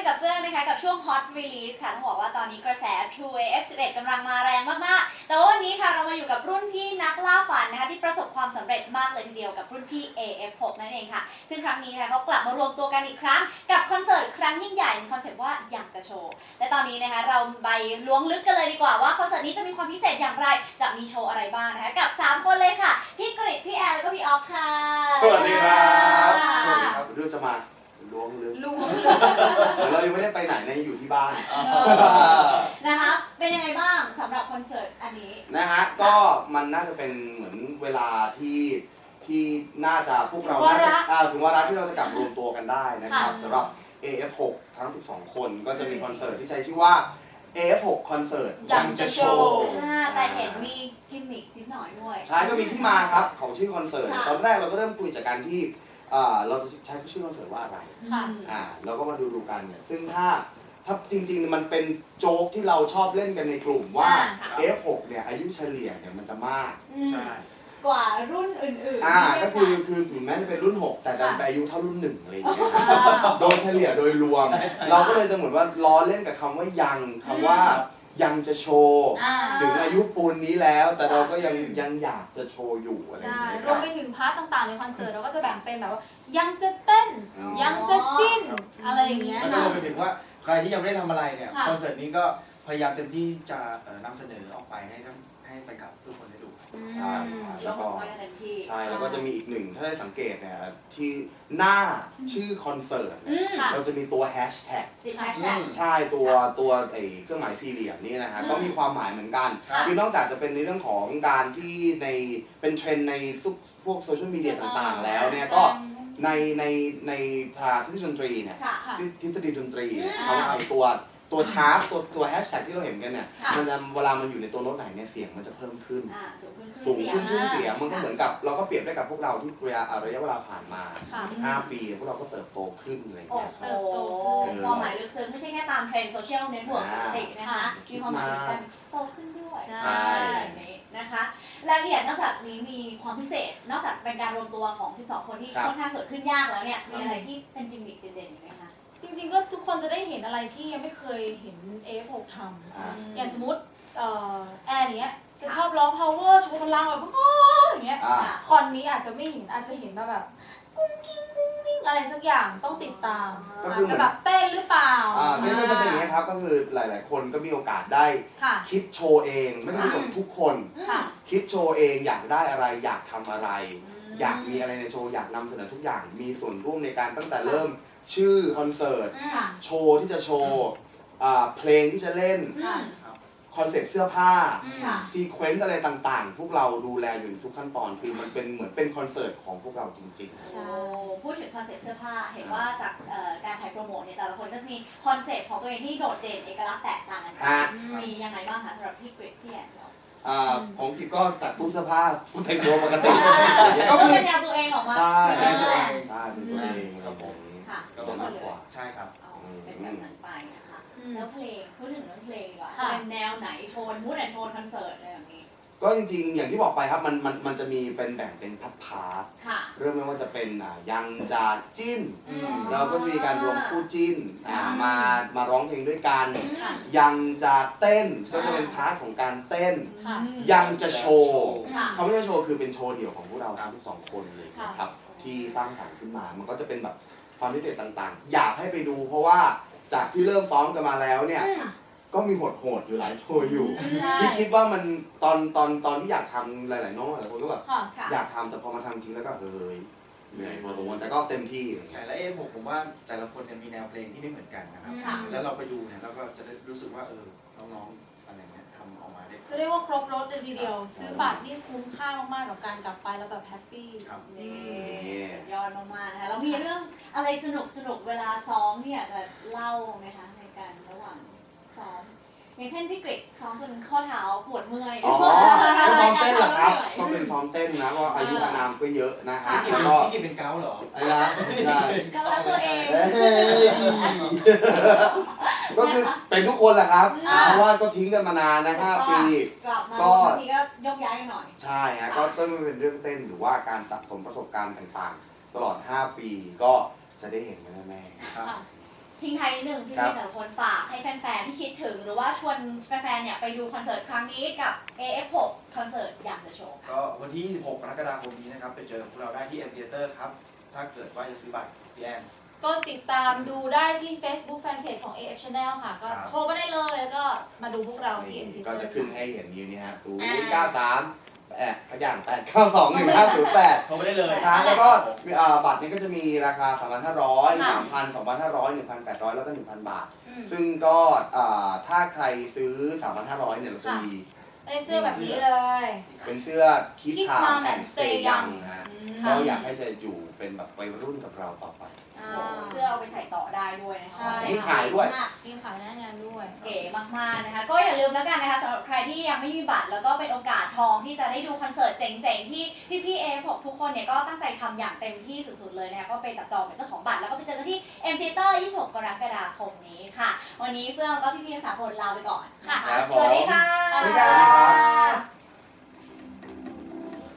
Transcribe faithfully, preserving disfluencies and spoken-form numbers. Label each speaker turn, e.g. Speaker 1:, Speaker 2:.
Speaker 1: กับเฟื่องนะคะกับช่วง Hot Release ค่ะต้องบอกว่าตอนนี้กระแส True เอ เอฟ สิบเอ็ด กำลังมาแรงมากๆแต่ว่าวันนี้ค่ะเรามาอยู่กับรุ่นพี่นักล่าฝันนะคะที่ประสบความสำเร็จมากเลยทีเดียวกับรุ่นพี่ เอ เอฟ หก นั่นเองค่ะซึ่งครั้งนี้นะคะเขากลับมารวมตัวกันอีกครั้งกับคอนเสิร์ตครั้งยิ่งใหญ่มีคอนเซ็ปต์ว่าอยากจะโชว์และตอนนี้นะคะเราไปล้วงลึกกันเลยดีกว่าว่าคอนเสิร์ตนี้จะมีความพิเศษอย่างไรจะมีโชว์อะไรบ้างนะคะกับสามคนเลยค่ะพี่กฤษพี่แอนแล้วก็พี่ออฟค่ะ
Speaker 2: สวัสดีครับสวัสดีครับเรื่องจะมาล้วงลึก
Speaker 1: ล้วง
Speaker 2: เรายังไม่ได้ไปไหนนะอยู่ที่บ้าน
Speaker 1: นะคะเป็นยังไงบ้างสำหรับคอนเสิร์ตอันนี้
Speaker 2: นะฮะก็มันน่าจะเป็นเหมือนเวลาที่ที่น่าจะพวกเราน่าจะถึงวาระที่เราจะกลับรวมตัวกันได้นะครับสำหรับ เอ เอฟ หก ทั้งสิบสองคนก็จะมีคอนเสิร์ตที่ใช้ชื่อว่า เอ เอฟ หก คอนเสิร์ตยังจะโชว์
Speaker 1: แต่เห็นมีกิมมิคนิดหน่อยด้วย
Speaker 2: ใช่ก็มีที่มาครับของชื่อคอนเสิร์ตตอนแรกเราก็เริ่มคุยจากการที่เราจะใช้ชื่อคอนเสิร์ตว่าอะไรอ่าเราก็มาดูดูกันเนี่ยซึ่งถ้าถ้าจริงๆมันเป็นโจ๊กที่เราชอบเล่นกันในกลุ่มว่า เอ เอฟ หก เนี่ยอายุเฉลี่ยเนี่ยมันจะมาก
Speaker 1: ใช่กว่ารุ่นอื่นๆ
Speaker 2: อ่าก็คือคือถึงแม้จะเป็นรุ่นหกแต่ดันไปอายุเท่ารุ่นหนึ่งอะไรอย่างเงี้ยโดยเฉลี่ยโดยรวมเราก็เลยจะเหมือนว่าล้อเล่นกับคำว่ายังคำว่ายังจะโชว์ถึงอายุปูนนี้แล้วแต่เราก็ยังยังอยากจะโชว์อยู่อะไรอย่างเงี้ย
Speaker 3: รวมไปถึงพาร์ทต่างๆในคอนเสิร์ตเราก็จะแบ่งเป็นแบบว่ายังจะเต้นยังจะจิ้นอะไรอย่างเงี้ย
Speaker 4: แล้วรวมไปถึงว่าใครที่ยังไม่ได้ทำอะไรเนี่ยคอนเสิร์ตนี้ก็พยายามเต็มที่จะนำเสนอออกไปให้ให้แฟนคลับทุกคนได้ดู
Speaker 2: ใช่
Speaker 1: แล้วก็
Speaker 2: ใช่แล้วก็จะมีอีกหนึ่งถ้าได้สังเกตเนี่ยที่หน้าชื่อคอนเสิร์ตเราจะมีตัวแฮชแท็กใช่ตัวตัวไอ้เครื่องหมายสี่เหลี่ยมนี่นะฮะก็มีความหมายเหมือนกันคือนอกจากจะเป็นในเรื่องของการที่ในเป็นเทรนด์ในพวกโซเชียลมีเดียต่างๆแล้วเนี่ยก็ในในในทางทฤษฎีดนตรีเนี่ยทฤษฎีดนตรีเขาไอ้ตัวตัวชาร์ปตัวตัวแฮชแท็กที่เราเห็นกันเนี่ยมันจะเวลามันอยู่ในตัวโน้ตไหนเนี่ยเสียงมันจะเพิ่มขึ้นสูงขึ้นขึ้นเสียงมันก็เหมือนกับเราก็เปรียบได้กับพวกเราที่ระยะระยะเวลาผ่านมาห้าปีพวกเราก็เติบโตขึ้นอะไรอย่างเงี้ย
Speaker 1: เติบโตความหมายลึกซึ้งไม่ใช่แค่ตามเทรนด์โซเชียลเน็ตเวิร์กปกตินะคะมีความหมายกันโตขึ้นด้วย
Speaker 2: ใช่
Speaker 1: นะคะรายละเอียดนอกจากนี้มีความพิเศษนอกจากเป็นการรวมตัวของสิบสองคนที่ค่อนข้างเกิดขึ้นยากแล้วเนี่ยมีอะไรที่เป็นจิมมิคเด่นๆไหมคะ
Speaker 3: จริงๆก็ทุกคนจะได้เห็นอะไรที่ยังไม่เคยเห็น เอ เอฟ หก ทำอย่างสมมติแอร์เนี้ยจะชอบร้อง power โชว์พลังแบบโอ้อย่างเงี้ยคอนนี้อาจจะไม่เห็นอาจจะเห็นมาแบบกุ้งกิ้งกุ้งกิ้งอะไรสักอย่างต้องติดตามอาจจะแบบเต้นหรือเปล่า
Speaker 2: อ่านี่ก็จะเป็นอย่างนี้ครับก็คือหลายๆคนก็มีโอกาสได้คิดโชว์เองไม่ใช่ทุกคนคิดโชว์เองอยากได้อะไรอยากทำอะไรอยากมีอะไรในโชว์อยากนำเสนอทุกอย่างมีส่วนร่วมในการตั้งแต่เริ่มชื่อคอนเสิร์ตโชว์ที่จะโชว์เพลงที่จะเล่นคอนเซ็ปต์เสื้อผ้าซีเควนซ์อะไรต่างๆพวกเราดูแลอยู่ทุกขั้นตอนคือมันเป็นเหมือนเป็นคอนเสิร์ตของพวกเราจริง
Speaker 1: ๆใช่พูดถึงคอนเซ็ปต์เสื้อผ้าเห็นว่าจากการถ่ายโปรโมทเนี่ยแต่ละคนก็จะมีคอนเซ็ปต์ของตัวเองที่โดดเด่นเอกลักษณ์แตกต่างกันมียังไงบ้างคะสำหรับพี่กฤษพี่แอน
Speaker 2: ของพี่ก็ตัดตู้เสื้อผ้าผู้แต่งตัวปกติ
Speaker 1: ก็เป็นแนวตัวเองออกมา
Speaker 2: ใช่ใช่เป็นตัวเองครับผม
Speaker 4: ก็เป็นมากกว่าใช่ครับ
Speaker 1: เป็นแบบนั้นไปนะคะแล้วเพลงพูดถึงเรื่องเพลงดีกว่าเป็นแนวไหนโทนมูดแอนโทนคอนเสิร์ตอะไรแบบนี้
Speaker 2: ก็จริงๆอย่างที่บอกไปครับมันมันมันจะมีเป็นแบ่งเป็นพาร์ทพาร์ทเริ่มไม่ว่าจะเป็นยังจะจิ้นเราก็จะมีการรวมคู่จิ้นมามาร้องเพลงด้วยกันยังจะเต้นก็จะเป็นพาร์ทของการเต้นยังจะโชว์เขาไม่ใช่โชว์คือเป็นโชว์เดี่ยวของพวกเราทั้งสองคนเลยครับที่สร้างสรรค์ขึ้นมามันก็จะเป็นแบบความพิเศษต่างๆอยากให้ไปดูเพราะว่าจากที่เริ่มซ้อมกันมาแล้วเนี่ยก็มีโหดๆอยู่หลายโชว์อยู่ที่คิดว่ามันตอนตอนตอนที่อยากทำหลายๆน้องหลายคนก็แบบอยากทำแต่พอมาทำจริงแล้วก็เฮ้ยเหนื่อยพอสมควรแต่ก็เต็มที่
Speaker 4: ใช่แล้วเอฟหกผมว่าแต่ละคนเนี่ยมีแนวเพลงที่ไม่เหมือนกันนะครับแล้วเราไปดูเนี่ยเราก็จะได้รู้สึกว่าเออน้องๆอะไรเงี้ยทำออกมาได้
Speaker 3: ก็เรียกว่าครบรถเลยทีเดียวซื้อบัตรนี่คุ้มค่ามากๆกับการกลับไปแล้วแบบแฮปปี้
Speaker 1: นี่ยอดมากๆนะคะแล้วมีเรื่องอะไรสนุกสนุกเวลาซ้อมเนี่ยจะเล่าไหมคะในการระหว่างซ้อมอย่างเช่นพี่กฤษซ้อมจนข้อเท้าปวดเมื่อย
Speaker 2: อ๋อก็ซ้อมเต้นเหรอครับก็เป็นซ้อมเต้นนะเพราะอายุอานามก็เยอะนะฮะ
Speaker 4: พี่ก็พี่กินเป็นเกาเหรอ
Speaker 2: ไอ้ละใช่
Speaker 1: เกาแล้วตัวเอง
Speaker 2: ก็คือเป็นทุกคนแหละครับเพราะว่าก็ทิ้งกันมานานนะห้าปี
Speaker 1: ก็บางทีก็ยกย้ายกันหน่อย
Speaker 2: ใช่ฮะก็ต้องเป็นเรื่องเต้นหรือว่าการสะสมประสบการณ์ต่างๆตลอดห้าปีก็จะได้เห็นกันแน่ๆ
Speaker 1: ทิ้งท้ายนิดนึงพี่
Speaker 2: ครับ
Speaker 1: พี่แต่ละคนฝากให้แฟนๆที่คิดถึงหรือว่าชวนแฟนๆเนี่ยไปดูคอนเสิร์ตครั้งนี้กับ เอ เอฟ หก คอนเสิร์ตอย่างเดอะโชว์
Speaker 4: ก็วันที่ยี่สิบหกกรกฎาคมนี้นะครับไปเจอพวกเราได้ที่ M Theater ครับถ้าเกิดว่าจะซื้อบัตรพี่แอน
Speaker 3: ก็ติดตามดูได้ที่ Facebook Fanpage ของ เอ เอฟ Channel ค่ะ ก็
Speaker 4: ครับ
Speaker 3: โทรมาได้เลยแล้วก็มาดูพวกเราที่
Speaker 2: นี่
Speaker 3: เอ็ม ที
Speaker 2: ก็จะขึ้นให้เห็นอยู่นี่ฮะศูน
Speaker 1: อ่า
Speaker 2: ย์เก้าสามแปดขยันแปดเก้าสองหนึ่งห้าศูนย์แปด
Speaker 4: โทรไปได้เลย
Speaker 2: ครับแล้วก็อ่าบัตรนี้ก็จะมีราคา สามพันห้าร้อย
Speaker 1: ค่ะ
Speaker 2: สามพัน สองพันห้าร้อย หนึ่งพันแปดร้อย แล้วก็ หนึ่งพัน บาท
Speaker 1: อืม
Speaker 2: ซึ่งก็อ่าถ้าใครซื้อ สามพันห้าร้อย เนี่ยเราจะมี
Speaker 3: ได้เสื้อแบบนี้เลย
Speaker 2: เป็นเสื้อ Keep
Speaker 3: Keep
Speaker 2: Calm
Speaker 3: Calm
Speaker 2: and
Speaker 3: and
Speaker 2: Stay
Speaker 3: Stay
Speaker 2: Young
Speaker 3: Young
Speaker 2: ฮะ
Speaker 1: อืม
Speaker 2: ก็อยากให้จะอยู่เป็นแบบวัยรุ่นกับเราต่อไป
Speaker 1: อ่าเสื้อเอาไปใส่ต่อได้ด้วยนะคะ
Speaker 3: ใช่
Speaker 2: มีขายด้วย
Speaker 3: มีขายหน้างานด้วย
Speaker 1: เก๋มากๆนะคะ ก็อย่าลืมแล้วกันนะคะสำหรับใครที่ยังไม่มีบัตรแล้วก็เป็นโอกาสทองที่จะได้ดูคอนเสิร์ตเจ๋งๆ ที่พี่ๆ เอ เอฟ หก ทุกคนเนี่ยก็ตั้งใจทำอย่างเต็มที่สุดๆเลยนะคะก็ไปจับจองเป็นเจ้าของบัตรแล้วก็ไปเจอกันที่ M Theater ยี่สิบหก กรกฎาคมนี้ค่ะ วันนี้เฟื่องก็พี่ๆทั้งสามคนลาไปก่อนนะคะ
Speaker 2: ครับผม
Speaker 1: สวัสดีค่ะ
Speaker 3: สวัสดี
Speaker 2: ครับ